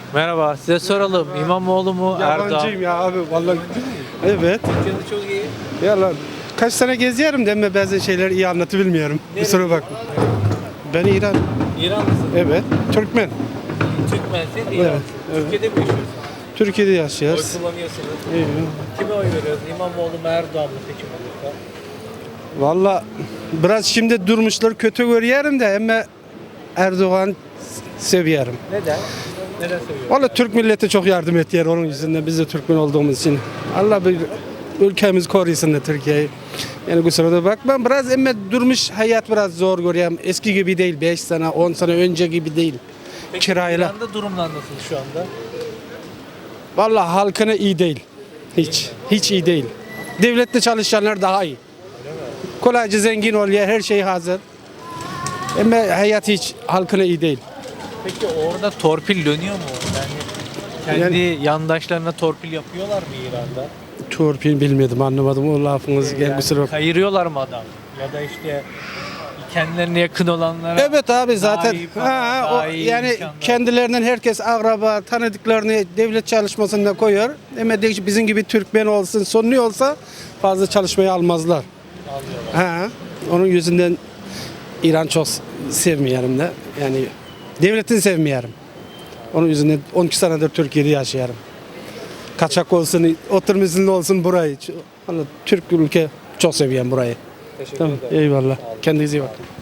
Merhaba, size soralım. İmamoğlu mu, Erdoğan? Yabancıyım ya abi vallahi. Evet. Türkiye'de çok iyi. Ya lan kaç sene geziyorum deme bazı şeyler iyi anlatabilmiyorum. Kusura bakma. Ben İran. İranlısın. Evet. Türkmen. Türkmensin, İranlısın. evet. Türkiye'de mi yaşıyorsun? Türkiye'de Oy yaşıyoruz. kullanıyorsunuz. İyi. Kime oy veriyoruz? İmamoğlu mu, Erdoğan mı seçim olursa? Valla biraz şimdi durmuşlar kötü görüyorum da ama Erdoğan seviyorum. Neden? Neden seviyorsun? Valla Türk milleti çok yardım etti onun yüzünden biz de Türkmen olduğumuz için. Allah bir ülkemiz korusun da Türkiye'yi. Yani kusura bakma biraz ama durmuş hayat biraz zor görüyorum. Eski gibi değil 5 sene 10 sene önce gibi değil. Peki Kirayla. İran'da durumlar nasıl şu anda? Valla halkına iyi değil. Hiç iyi değil. Devlette çalışanlar daha iyi. Kolayca zengin oluyor her şey hazır. Ama hayat hiç halkına iyi değil. Peki orada torpil dönüyor mu? Yani kendi yandaşlarına torpil yapıyorlar mı İran'da? Torpil bilmedim anlamadım o lafınız gel kusura bakma. Kayırıyorlar mı adam? Ya da işte kendilerine yakın olanlara Evet abi zaten daha iyi para, daha iyi yani imkanlar. kendilerinden herkes akraba tanıdıklarını devlet çalışmasında koyuyor. Ama bizim gibi Türkmen olsun Sunni olsa fazla çalışmayı almazlar. alıyorlar. Onun yüzünden İran çok sevmiyorum da yani devletini sevmiyorum. Onun yüzünden 12 senedir Türkiye'de yaşıyorum. Kaçak olsun, oturum izinli olsun burayı. Vallahi Türk ülke çok seviyorum burayı. Teşekkür Tamam, ederim. eyvallah. Kendinize iyi bakın.